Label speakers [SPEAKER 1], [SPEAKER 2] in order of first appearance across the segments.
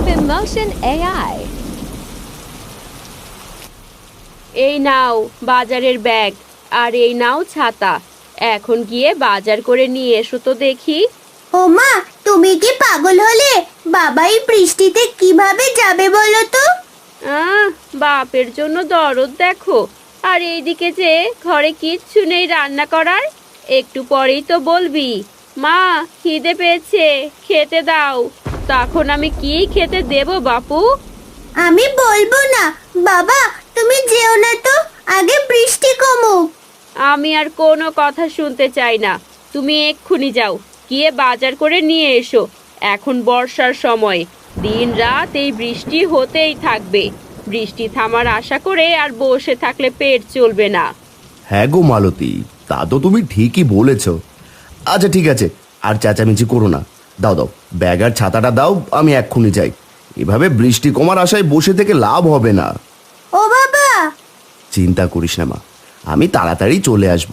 [SPEAKER 1] Emotion AI.
[SPEAKER 2] এই নাও বাজারের bag, আর এই নাও ছাতা। এখন গিয়ে বাজার করে নিয়ে এসো তো দেখি।
[SPEAKER 3] ও মা, তুমি কি পাগল হলে? বাবাই বৃষ্টিতে কিভাবে যাবে বলো তো?
[SPEAKER 2] আহ, বাপের জন্য দরদ দেখো। আর এইদিকে যে ঘরে কিচ্ছু নেই রান্না করার। একটু পরেই তো বলবি, মা খিদে পেয়েছে, খেতে দাও। তখন আমি কি খেতে দেব বাপু?
[SPEAKER 3] আমি বলবো না। বাবা, তুমি যেও না তো, আগে বৃষ্টি কমুক।
[SPEAKER 2] আমি আর কোনো কথা শুনতে চাই না। তুমি এক্ষুনি যাও, গিয়ে বাজার করে নিয়ে এসো। এখন বর্ষার সময়, দিন রাত এই বৃষ্টি হতেই থাকবে। বৃষ্টি থামার আশা করে আর বসে থাকলে পেট চলবে না।
[SPEAKER 4] হ্যাঁ গো মালতী, তা তো তুমি ঠিকই বলেছ। আচ্ছা ঠিক আছে, আর চেঁচামেচি করো না। দাও দাও, ব্যাগ আর ছাতাটা দাও, আমি এক্ষুনি যাই। এভাবে বৃষ্টি কমার আশায় বসে থেকে লাভ হবে না।
[SPEAKER 3] ও বাবা!
[SPEAKER 4] চিন্তা করিস না মা, আমি তাড়াতাড়ি চলে আসব।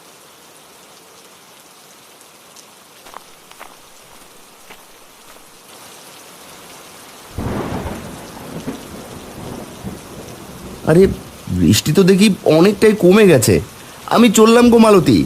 [SPEAKER 4] আরে বৃষ্টি তো দেখি অনেকটাই কমে গেছে। আমি চললাম গো মালতী।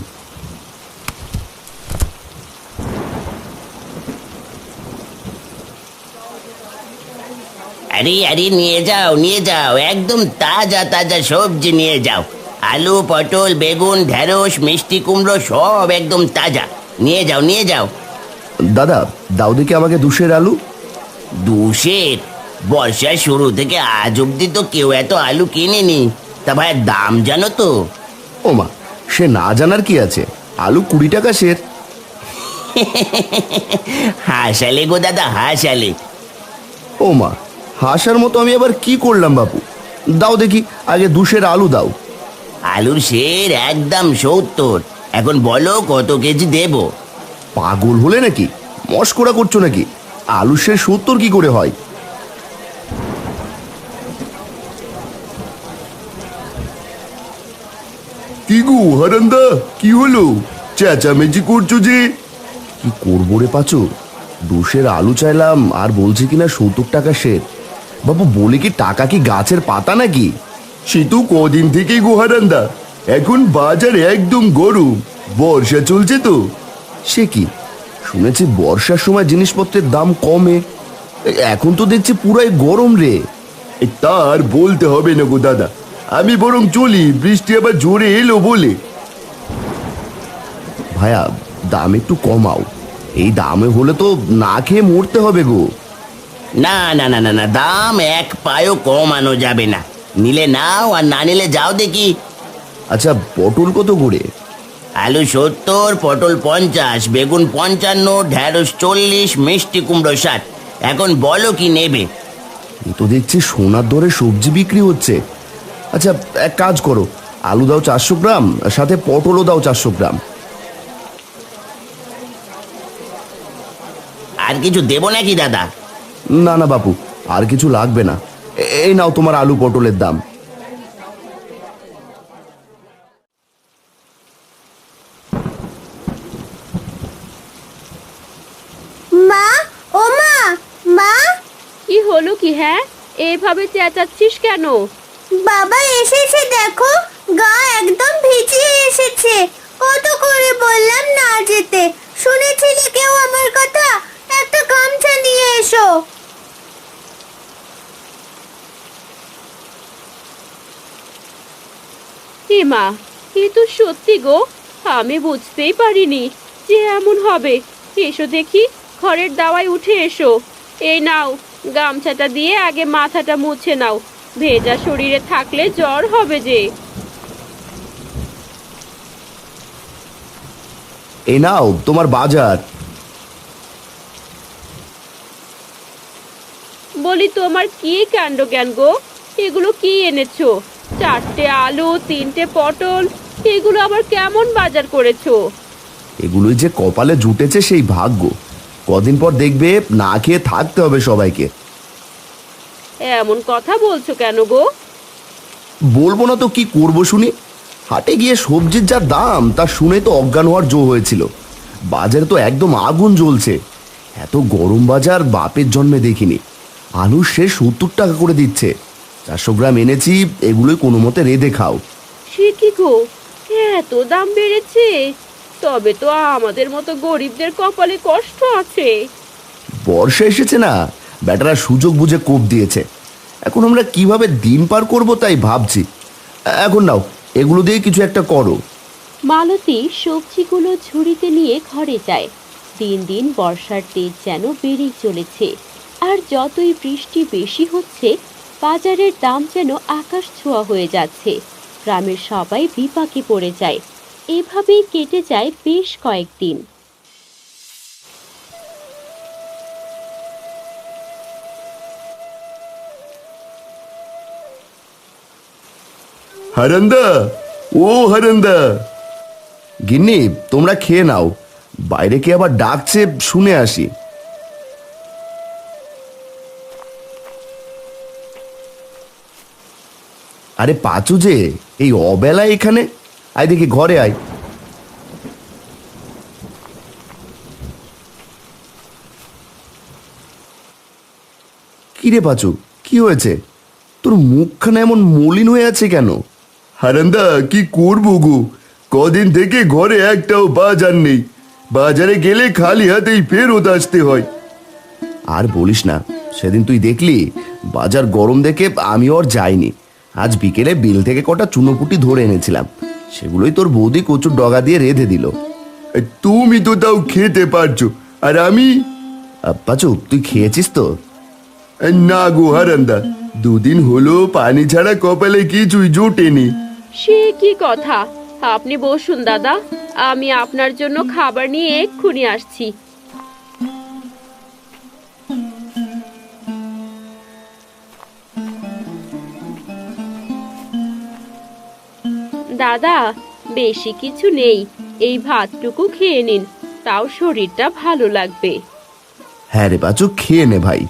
[SPEAKER 5] আরে আরে, নিয়ে যাও নিয়ে যাও, একদম তাজা তাজা সবজি নিয়ে যাও। আলু, পটল, বেগুন, ঢেঁড়স, মিষ্টি কুমড়ো সব একদম তাজা। নিয়ে যাও নিয়ে যাও।
[SPEAKER 4] দাদা, দাও দেখি আমাকে 2 আলু।
[SPEAKER 5] 2 বর্ষার শুরু থেকে আজ অব্দি তো কেউ এত আলু কিনেনি। তা ভাই, দাম জানো তো?
[SPEAKER 4] ও মা, সে না জানার কি আছে, আলু 20 টাকা সের।
[SPEAKER 5] হাসালে গো দাদা, হাসালে।
[SPEAKER 4] ও মা, হাসার মতো আমি আবার কি করলাম বাপু? দাও দেখি আগে 2 আলু দাও।
[SPEAKER 5] আলুর সের একদম 70। এখন বলো কত কেজি দেব?
[SPEAKER 4] পাগল হলে নাকি? মস্করা করছো নাকি? আলু সে 70 কি করে হয়? কি গো হারান্দা, কি হলো? চেঁচামেচি করছো যে? কি করবো রে পাচু, 2 আলু চাইলাম আর বলছে কিনা 70 টাকা সের। বাবু বলে কি টাকা কি গাছের পাতা নাকি? সে তো কদিন থেকেই গো হারান্দা, এখন বাজার একদম গরম, বর্ষা চলছে তো। সে কি, শুনেছি বর্ষার সময় জিনিসপত্রের দাম কমে, এখন তো দেখছি পুরাই গরম রে। তার বলতে হবে না গো দাদা, আমি বরং চলি, বৃষ্টি আবার জোরে এলো বলে। ভাইয়া, দাম একটু কমাও, এই দামে হলে তো না খেয়ে মরতে হবে গো।
[SPEAKER 5] না না না না না, দাম এক পায়ও কমানো যাবে না। নিলে নাও, আর না নিলে যাও দেখি।
[SPEAKER 4] আচ্ছা, পটল কত করে?
[SPEAKER 5] আলু 70, পটল 50, বেগুন 55, ঢেঁড়স 40, মিষ্টি কুমড়ো 60। এখন বলো কি নেবে?
[SPEAKER 4] এ তো দেখছি সোনার দরে সবজি বিক্রি হচ্ছে। আচ্ছা এক কাজ করো, আলু দাও 400 গ্রাম, সাথে পটলও দাও 400 গ্রাম।
[SPEAKER 5] আর কিছু দেবো নাকি দাদা?
[SPEAKER 4] না না বাপু, আর কিছু লাগবে না। এই নাও তোমার আলু পটলের দাম।
[SPEAKER 3] মা, ও মা, মা!
[SPEAKER 2] কি হলো কি? হ্যাঁ, এইভাবে চেঁচাচ্ছিস কেন?
[SPEAKER 3] বাবা এসেছে দেখো, গা একদম ভিজিয়ে এসেছে। কত করে বললাম না যেতে, শুনেছিলে কেউ আমার কথা? একটা গামছা নিয়ে এসো।
[SPEAKER 2] হে মা, এ তো সত্যি গো, আমি বুঝতেই পারিনি যে এমন হবে। এসো দেখি, ঘরের দাওয়ায় উঠে এসো। এই নাও, গামছাটা দিয়ে আগে মাথাটা মুছে নাও, ভেজা শরীরে থাকলে জ্বর হবে যে।
[SPEAKER 4] এই নাও তোমার বাজার।
[SPEAKER 2] বলি, তোমার কি কাণ্ড জ্ঞান গো? এগুলো কি এনেছো? 4টে আলু, 3টে পটল, এগুলো আবার কেমন বাজার করেছো?
[SPEAKER 4] এগুলোই যে কপালে জুটেছে সেই ভাগ্য। কদিন পর দেখবে না খেয়ে থাকতে হবে সবাইকে।
[SPEAKER 2] এমন কথা বলছো কেন গো?
[SPEAKER 4] বলবো না তো কি করব শুনি? হাটে গিয়ে সবজির যা দাম তা শুনে তো অজ্ঞান হওয়ার জো হয়েছিল। বাজারে তো একদম আগুন জ্বলছে। এত গরম বাজার বাপের জন্মে দেখিনি। আলু সে 70 টাকা করে দিচ্ছে। 400 গ্রাম এনেছি, এগুলোই কোনো মতে রেঁধে খাও।
[SPEAKER 2] সে কি গো, এত দাম বেড়েছে? তবে তো আমাদের মতো গরিবদের কপালে কষ্ট আছে।
[SPEAKER 4] বর্ষা এসেছে না, ব্যাটারা সুযোগ বুঝে কোপ দিয়েছে। এখন আমরা কিভাবে দিন পার করব তাই ভাবছি। এখন নাও, এগুলো দিয়ে কিছু একটা করো।
[SPEAKER 2] মালতী সবজিগুলো ঝুড়িতে নিয়ে ঘরে যায়। দিন দিন বর্ষার তেজ যেন বেড়েই চলেছে, আর যতই বৃষ্টি বেশি হচ্ছে বাজারের দাম যেন আকাশ ছোঁয়া হয়ে যাচ্ছে। গ্রামের সবাই বিপাকে পড়ে যায়। এভাবেই কেটে যায় বেশ কয়েকদিন।
[SPEAKER 4] হারান্দা, ও হারান্দা। গিন্নি, তোমরা খেয়ে নাও, বাইরে কে আবার ডাকছে শুনে আসি। আরে পাচু যে, এই অবেলায় এখানে? আয় দেখি, ঘরে আয়। কিরে পাচু, কি হয়েছে? তোর মুখখানা এমন মলিন হয়ে আছে কেন? হারান্দা, কি করবো গো, কদিন থেকে ঘরে একটাও বাজার নেই। বাজারে গেলে খালি হাতেই ফেরত আসতে হয়। আর বলিস না, সেদিন তুই দেখলি বাজার গরম দেখে আমি আর যাইনি। আজ বিকেলে বিল থেকে কটা চুনোপুটি ধরে এনেছিলাম, সেগুলোই তোর বৌদি কচুর ডগা দিয়ে রেঁধে দিল। তুমি তো তাও খেতে পারছো, আর আমি? পাচু, তুই খেয়েছিস তো? না গো হারান্দা, দুদিন হলো পানি ছাড়া কপালে কিছুই জোটেনি।
[SPEAKER 2] সে কি কথা? আপনি বসুন দাদা, আমি আপনার জন্য খাবার নিয়ে এক্ষুনি আসছি। দাদা, বেশি কিছু নেই, এই ভাতটুকু খেয়ে নিন, তাও শরীরটা ভালো লাগবে।
[SPEAKER 4] হ্যাঁ রে পাচু, খেয়ে নে ভাই।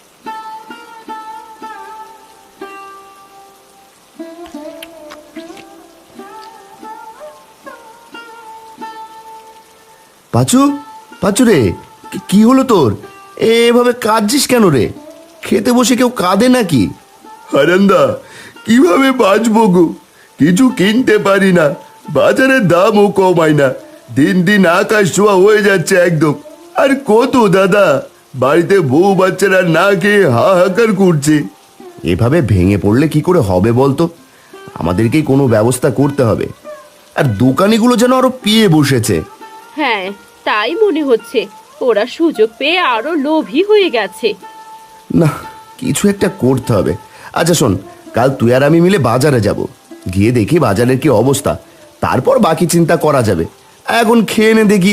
[SPEAKER 4] পাচু, পাচু রে, কি হলো তোর? এভাবে কাঁদছিস কেন রে? খেতে বসে কেউ কাঁদে নাকি? হারান্দা, কিভাবে বাঁচবো গো, কিছু কিনতে পারি না, বাজারের দামও কমায় না, দিন দিন আকাশ ছোঁয়া হয়ে যাচ্ছে একদম। আর কত দাদা, বাড়িতে বউ বাচ্চারা না খেয়ে হাহাকার করছে। এভাবে ভেঙে পড়লে কি করে হবে বলতো? আমাদেরকেই কোনো ব্যবস্থা করতে হবে। আর দোকানিগুলো যেন আরো পিয়ে বসেছে।
[SPEAKER 2] হ্যাঁ, তাই মনে হচ্ছে, ওরা সুযোগ পেয়ে আরো লোভী হয়ে গেছে।
[SPEAKER 4] না, কিছু একটা করতে হবে। আচ্ছা শোন, কাল তুই আর আমি মিলে বাজারে যাব, গিয়ে দেখি বাজারের কি অবস্থা, তারপর বাকি চিন্তা করা যাবে। এখন খেয়ে নে দেখি।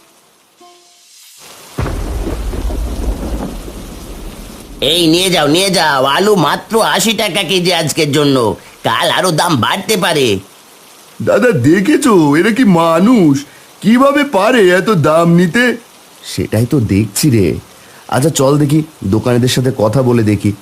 [SPEAKER 5] এই নিয়ে যাও নিয়ে যাও, আলু মাত্র 80 টাকা কেজি আজকের জন্য, কাল আরো দাম বাড়তে পারে।
[SPEAKER 4] দাদা দেখেছো, এরা কি মানুষ? কিভাবে পারে এত দাম নিতে? সেটাই তো দেখছি রে। আচ্ছা চল দেখি, দোকানিদের সাথে কথা বলে দেখি।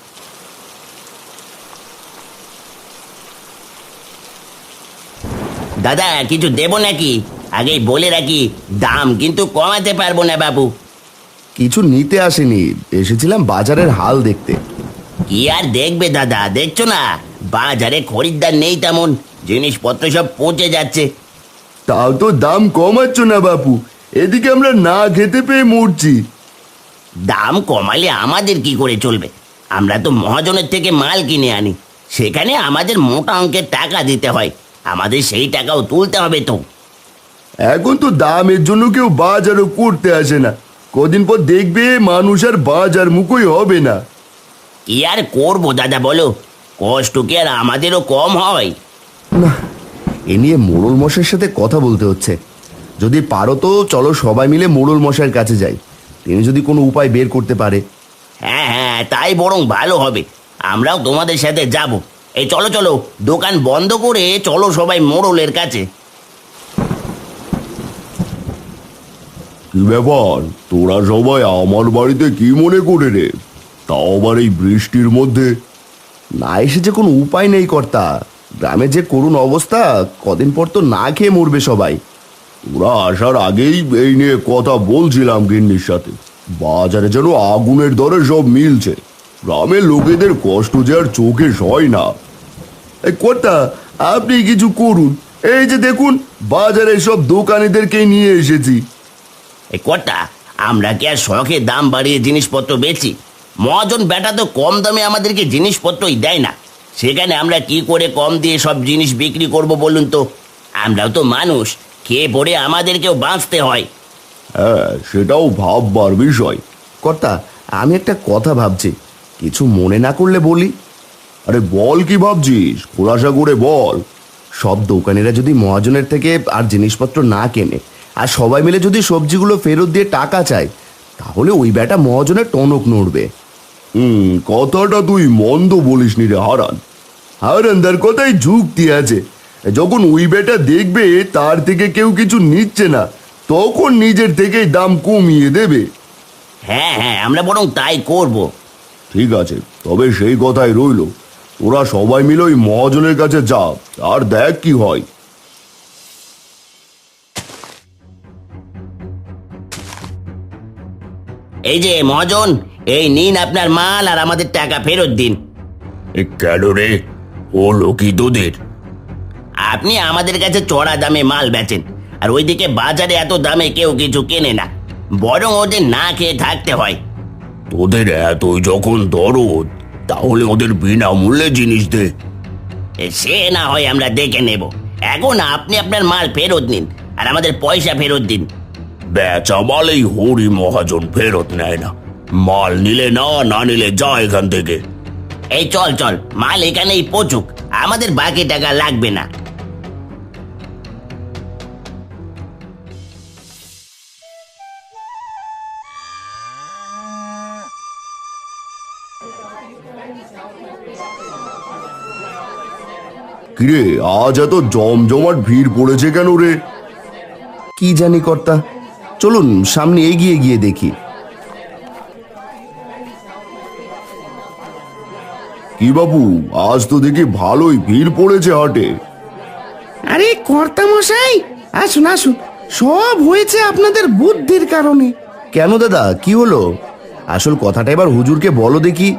[SPEAKER 5] দাদা, কিছু দেবো নাকি? আগেই বলে রাখি, দাম কিন্তু কমাতে পারবো না বাবু।
[SPEAKER 4] কিছু নিতে আসেনি, এসেছিলাম বাজারের হাল দেখতে।
[SPEAKER 5] কি আর দেখবে দাদা, দেখছো না বাজারে খরিদ্দার নেই তেমন, জিনিসপত্র সব পচে যাচ্ছে।
[SPEAKER 4] তাও তো দাম কমাচ্ছ না বাপু, এদিকে আমরা না খেতে পেয়ে মরছি।
[SPEAKER 5] দাম কমালে আমাদের কি করে চলবে? আমরা তো মহাজনের থেকে মাল কিনে আনি, সেখানে আমাদের মোটা অঙ্কের টাকা দিতে হয়, আমাদের সেই টাকাও তুলতে হবে তো।
[SPEAKER 4] এখন তো দামের জন্য কেউ বাজারও করতে আসে না, কদিন পর দেখবে মানুষ আর বাজার মুখই হবে না।
[SPEAKER 5] কি আর করবো দাদা বলো, কষ্ট কি আর আমাদেরও কম হয়?
[SPEAKER 4] না, এ নিয়ে মোড়ল মশাইয়ের সাথে কথা বলতে হচ্ছে। যদি পারো তো চলো সবাই মিলে মোড়ল মশাইয়ের কাছে যাই, তিনি যদি কোনো উপায় বের করতে পারে।
[SPEAKER 5] হ্যাঁ হ্যাঁ, তাই বরং ভালো হবে, আমরাও তোমাদের সাথে যাব। এই চলো চলো, দোকান বন্ধ করে চলো সবাই মোড়লের কাছে।
[SPEAKER 4] কি ব্যাপার, তোরা সবাই আমার বাড়িতে কি মনে করে রে? তাও আবার এই বৃষ্টির মধ্যে? না এসে যে কোনো উপায় নেই কর্তা, গ্রামে যে করুণ অবস্থা, কদিন পর তো না খেয়ে মরবে সবাই। ওরা আসার আগেই এই নিয়ে কথা বলছিলাম গিন্নির সাথে, বাজারে যেন আগুনের দরে সব মিলছে। গ্রামের লোকেদের কষ্ট যে আর চোখে সয় না। এই কর্তা, আপনি কিছু করুন। এই যে দেখুন, বাজারে সব দোকানিদেরকে নিয়ে এসেছি।
[SPEAKER 5] এই কটা আমরা কি আর শখে দাম বাড়িয়ে জিনিসপত্র বেচি? মহাজন বেটা তো কম দামে আমাদেরকে জিনিসপত্রই দেয় না, সেখানে আমরা কি করে কম দিয়ে সব জিনিস বিক্রি করব বলুন তো? আমরাও তো মানুষ, খেয়ে পড়ে আমাদেরকেও বাঁচতে হয়।
[SPEAKER 4] হ্যাঁ, সেটাও ভাববার বিষয়। কর্তা, আমি একটা কথা ভাবছি, কিছু মনে না করলে বলি। আরে বল, কি ভাবছিস? খোলাসা করে বল। সব দোকানিরা যদি মহাজনের থেকে আর জিনিসপত্র না কেনে, আর সবাই মিলে যদি সবজিগুলো ফেরত দিয়ে টাকা চায়, তাহলে ওই বেটা মহাজনের টনক নড়বে। কথাটা তুই মন্দ বলিসনি রে হারান। হারানদার কথাই যুক্তি আছে। যখন ওই বেটা দেখবে তার থেকে কেউ কিছু নিচ্ছে না, তখন নিজের থেকেই দাম কমিয়ে দেবে।
[SPEAKER 5] হ্যাঁ হ্যাঁ, আমরা বরং তাই করব।
[SPEAKER 4] ঠিক আছে, তবে সেই কথাই রইল। ওরা সবাই মিলে ওই মহাজনের কাছে যা, আর দেখ কি হয়।
[SPEAKER 5] এই যে মহাজন, এই নিন আপনার মাল আর আমাদের টাকা ফেরত দিন।
[SPEAKER 4] কেন রে, হলো কি তোদের?
[SPEAKER 5] আপনি আমাদের কাছে চড়া দামে মাল বেচেন, আর ওইদিকে বাজারে এত দামে কেউ কিছু কেনে না, বরং ওদের না খেয়ে থাকতে হয়।
[SPEAKER 4] তোদের এতই যখন দরদ, তাহলে ওদের বিনামূল্যে জিনিস দে।
[SPEAKER 5] সে না হয় আমরা দেখে নেব, এখন আপনি আপনার মাল ফেরত নিন আর আমাদের পয়সা ফেরত দিন।
[SPEAKER 4] বেচা মালেই হরি মহাজন ফেরত নেয় না। মাল নিলে না, না নিলে যা এখান থেকে।
[SPEAKER 5] এই চল চল, মাল এখানেই পচুক, আমাদের বাকি টাকা লাগবে না।
[SPEAKER 4] কিরে, আজ এত জমজমাট ভিড় পড়েছে কেন রে? কি জানি কর্তা, চলুন সামনে এগিয়ে গিয়ে দেখি। কি বাবু, আজ তো দেখি ভালোই ভিড় পড়েছে হাটে।
[SPEAKER 1] আরে কর্তা মশাই, আসুন আসুন, সব হয়েছে আপনাদের বুদ্ধির কারণে।
[SPEAKER 4] কেন দাদা, কি হলো? আসল কথাটা এবার হুজুরকে বলো দেখি।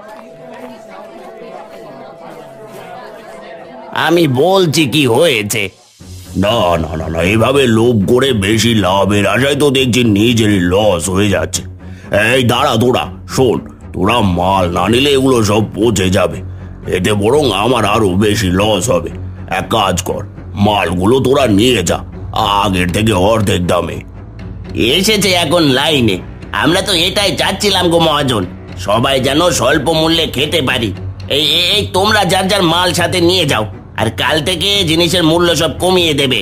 [SPEAKER 5] আমি বলছি কি হয়েছে।
[SPEAKER 4] না না না না, এভাবে লোভ করে বেশি লাভের আশায় তো দেখছি নিজেরই লস হয়ে যাচ্ছে। এই দাঁড়া, তোরা শোন, তোরা মাল না নিলে এগুলো সব পচে যাবে, এতে বরং আমার আরো বেশি লস হবে। এক কাজ কর, মালগুলো তোরা নিয়ে যা, আগের থেকে অর্ধেক দামে।
[SPEAKER 5] এসেছে এখন লাইনে, আমরা তো এটাই চাচ্ছিলাম গো মহাজন, সবাই যেন স্বল্প মূল্যে খেতে পারি। এই এই তোমরা যার যার মাল সাথে নিয়ে যাও, আর কাল থেকে জিনিসের মূল্য সব কমিয়ে দেবে।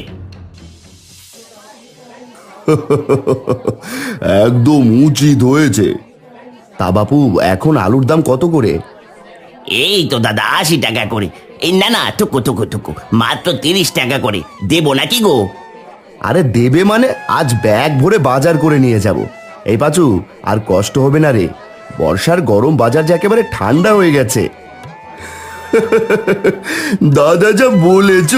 [SPEAKER 4] একদম উচিত হয়েছে। তা বাপু, এখন আলুর দাম কত করে?
[SPEAKER 5] এই তো দাদা 80 টাকা করে। এই না না, টুকু টুকু টুকু, মাত্র 30 টাকা করে দেবো নাকি গো?
[SPEAKER 4] আরে দেবে মানে? আজ ব্যাগ ভরে বাজার করে নিয়ে যাব। এই পাচু, আর কষ্ট হবে না রে, বর্ষার গরম বাজার যে একেবারে ঠান্ডা হয়ে গেছে। দাদা যা বলেছ।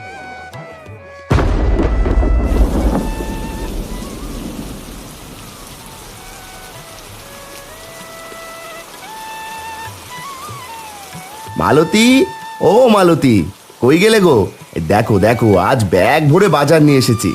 [SPEAKER 4] মালতী, ও মালতী, কই গেলে গো? দেখো দেখো, আজ ব্যাগ ভরে বাজার নিয়ে এসেছি।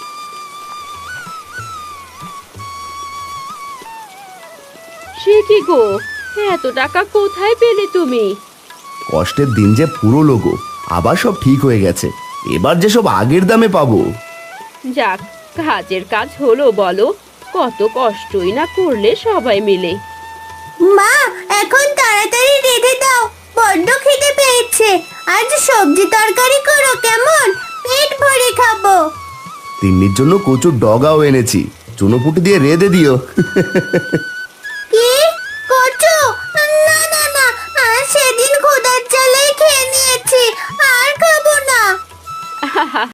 [SPEAKER 2] সে কি গো, এত টাকা কোথায় পেলে তুমি?
[SPEAKER 4] কষ্টের দিন যে পুরো গো, আবার সব ঠিক হয়ে গেছে। এবার যে সব আগের দামে পাবো।
[SPEAKER 2] যাক, কাজের কাজ হলো বলো, কত কষ্টই না করলে সবাই মিলে।
[SPEAKER 3] মা, এখন তাড়াতাড়ি রেঁধে দাও, বড্ড খিদে পেয়েছে। আজ সবজি তরকারি করো কেমন, পেট ভরে খাবো।
[SPEAKER 4] তিন্নির জন্য কচুর ডগাও এনেছি, চুনোপুটি দিয়ে রেঁধে দিও।
[SPEAKER 3] কি কচু? না না না, সেদিন খোদার চালে খেয়ে নিয়েছি, আর খাবো না।